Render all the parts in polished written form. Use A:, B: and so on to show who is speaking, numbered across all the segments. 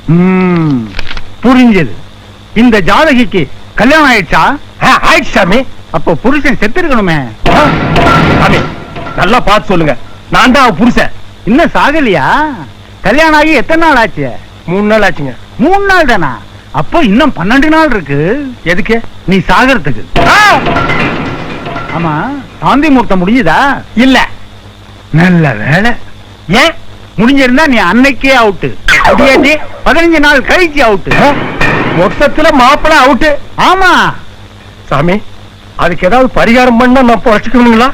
A: புரிஞ்சது. இந்த ஜாதகிக்கு கல்யாணம் ஆயிடுச்சா?
B: ஆயிடுச்சு சாமி.
A: அப்போ புருஷன் செத்து இருக்கணுமே.
B: சாமி நல்லா பார்த்து சொல்லுங்க, நான் தான் புருஷன்.
A: இன்னும் சாகலையா? கல்யாணம் ஆகி எத்தனை நாள் ஆச்சு?
B: 3 நாள் ஆச்சுங்க.
A: 3 நாள் தானா? அப்போ இன்னும் 12 நாள் இருக்கு.
B: எதுக்கு?
A: நீ சாகறதுக்கு. ஆமா, சாந்தி முகூர்த்தம் முடிஞ்சதா?
B: இல்ல.
A: நல்ல வேலை.
B: ஏன்?
A: முடிஞ்சிருந்தா நீ அன்னைக்கே அவுட்டு. 15 நாள் கழிச்சு அவுட்டு.
B: மொத்தத்துல மாப்பிள அவுட்டு.
A: ஆமா
B: சாமி, அதுக்கு ஏதாவது பரிகாரம் பண்ணா நான் வச்சுக்கணுங்களா?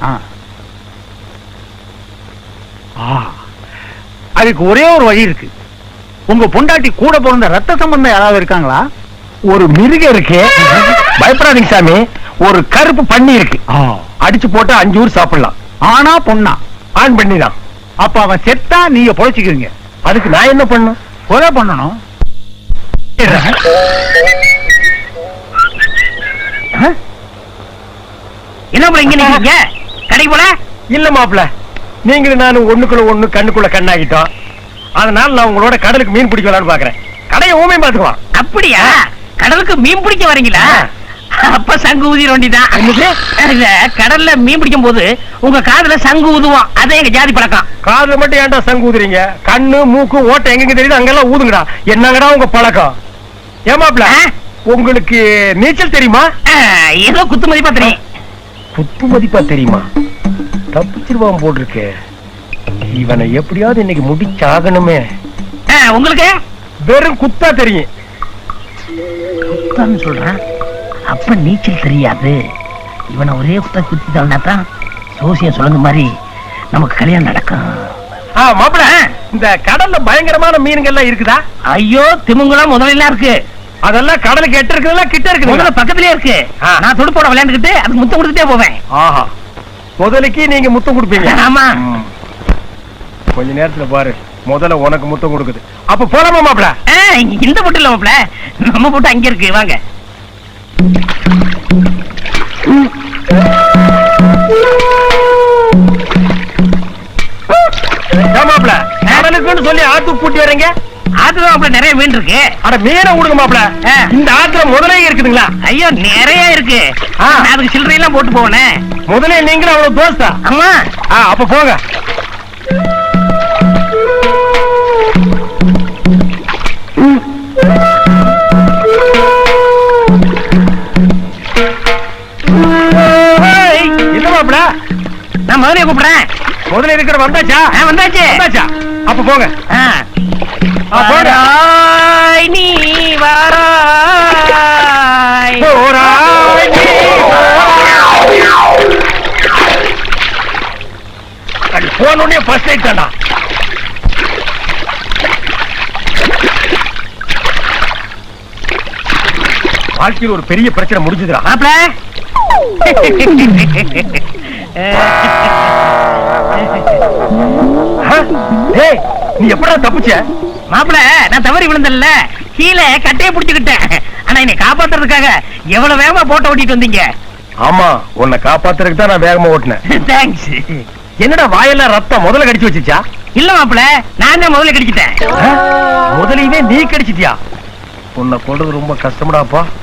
A: அதுக்கு ஒரே ஒரு வழி இருக்கு. உங்க பொண்டாட்டி கூட பிறந்த ரத்த சம்பந்தம் யாராவது இருக்காங்களா?
B: ஒரு மிருகம் இருக்கு. பயப்படாதீங்க சாமி. ஒரு கருப்பு பண்ணி இருக்கு. அடிச்சு போட்டா 5 ஊர் சாப்பிடலாம்.
A: ஆனா பொண்ணா?
B: ஆண் பண்ணிதான்.
A: அப்ப அவன் செத்தா நீங்க பொழைச்சுக்குவீங்க.
B: அதுக்கு நான் என்ன பண்ணும்?
A: கொலை பண்ணணும்.
C: என்ன போல இங்க நிக்கிறீங்க? கடை போல
B: இல்ல மாப்பிள, நீங்களும் நானும் ஒண்ணுக்குள்ள ஒண்ணு கண்ணுக்குள்ள கண்ணாகிட்டோம். அதனால நான் உங்களோட கடலுக்கு மீன் பிடிக்கலான்னு பாக்குறேன். கடையை ஊமே பாத்துக்கலாம்.
C: அப்படியா? கடலுக்கு மீன் பிடிக்க வரீங்களா? அப்ப சங்கு ஊதிர வேண்டியதான். கடல்ல மீன் பிடிக்கும் போது உங்க காதுல சங்கு ஊதுவோம். அதே எங்க ஜாதி பழக்கம்.
B: காதுல மட்டும் ஏன்டா சங்கு ஊதுறீங்க? கண்ணு மூக்கு ஓட்ட எங்க தெரியுது அங்கெல்லாம் ஊதுங்கடா. என்னங்கடா உங்க பழக்கம்? ஏமாப்ல, உங்களுக்கு நீச்சல் தெரியுமா?
C: ஏதோ குத்து மதிப்பா தெரியும்.
B: குத்து மதிப்பா தெரியுமா? தப்பிச்சிருவான் போட்டிருக்கு. இவனை எப்படியாவது இன்னைக்கு முடிச்சாகணுமே.
C: உங்களுக்கு
B: வெறும் குத்தா தெரியும்.
C: குத்தான்னு சொல்றேன். அப்ப நீச்சல் தெரியாது. இவனை ஒரே குத்தா குத்திட்டான்னா தான் சோசியம் சொல்லுங்க மாதிரி நமக்கு கல்யாணம் நடக்கும்.
B: மாப்பிள, இந்த கடல்ல பயங்கரமான மீன்கள்லாம் இருக்குதா?
C: ஐயோ, திமுங்கலாம் முதல்ல இருக்கு.
B: அதெல்லாம் கடலுக்கு எட்ட இருக்குதுல கிட்ட இருக்கு?
C: முதல்ல பக்கத்திலே இருக்கு. நான் துடுப்போட விளையாண்டுக்கிட்டு அதுக்கு முத்தம் கொடுத்துட்டே போவேன்.
B: ஆஹா, முதலுக்கு நீங்க முத்தம் கொடுப்பீங்க?
C: ஆமா.
B: கொஞ்ச நேரத்துல பாரு, முதல்ல உனக்கு முத்தம் கொடுக்குது. அப்ப போலாமா மாப்பிள?
C: இந்த போட்டு இல்ல மாப்பிள, நம்ம போட்டு அங்க இருக்கு. வாங்க.
B: மாப்பிள, கடலுக்குன்னு சொல்லி ஆத்து கூட்டி வரீங்க?
C: ஆத்துல மாப்பிள நிறைய மீன் இருக்கு.
B: அட மீனை விடுங்க மாப்பிள. இந்த ஆத்துல முதலே இருக்குதுங்களா?
C: ஐயோ, நிறைய இருக்கு. அதுக்கு சில்லறை எல்லாம் போட்டு போவனே.
B: முதலே நீங்களும் அவ்வளவு தோஸ்தா?
C: ஆமா.
B: அப்ப போங்க. என்ன மாப்பிள?
C: நான் முதலே கூப்பிடுறேன்.
B: முதல்ல இருக்கிற வந்தாச்சா?
C: வந்தாச்சு.
B: வந்தாச்சா? அப்ப போங்க.
C: வாராய் நீ வாராய்.
B: போனே ஃபர்ஸ்ட் நைட் தான்டா. வாழ்க்கையில் ஒரு பெரிய பிரச்சனை முடிஞ்சதுடா
C: மாப்ள.
B: நீ எப்படா தப்பிச்ச?
C: மாப்பிள, நான் தவறி விழுந்தல்ல, கீழே கட்டையை பிடிச்சுக்கிட்டேன். ஆனா என்னை காப்பாத்துறதுக்காக எவ்வளவு வேகமா போட்ட ஓட்டிட்டு வந்தீங்க.
B: ஆமா, உன்னை காப்பாத்துறதுக்கு தான் நான் வேகமா ஓட்டினேன்.
C: தேங்க்ஸ்.
B: என்னடா வாயெல்லாம் ரத்தம் முதல்ல கடிச்சு வச்சுச்சா?
C: இல்ல மாப்பிள, நான் தான் முதல்ல கடிச்சிட்டேன்.
B: முதலையுமே நீ கடிச்சிட்டியா? உன்னை கொண்டது ரொம்ப கஷ்டம்டாப்பா.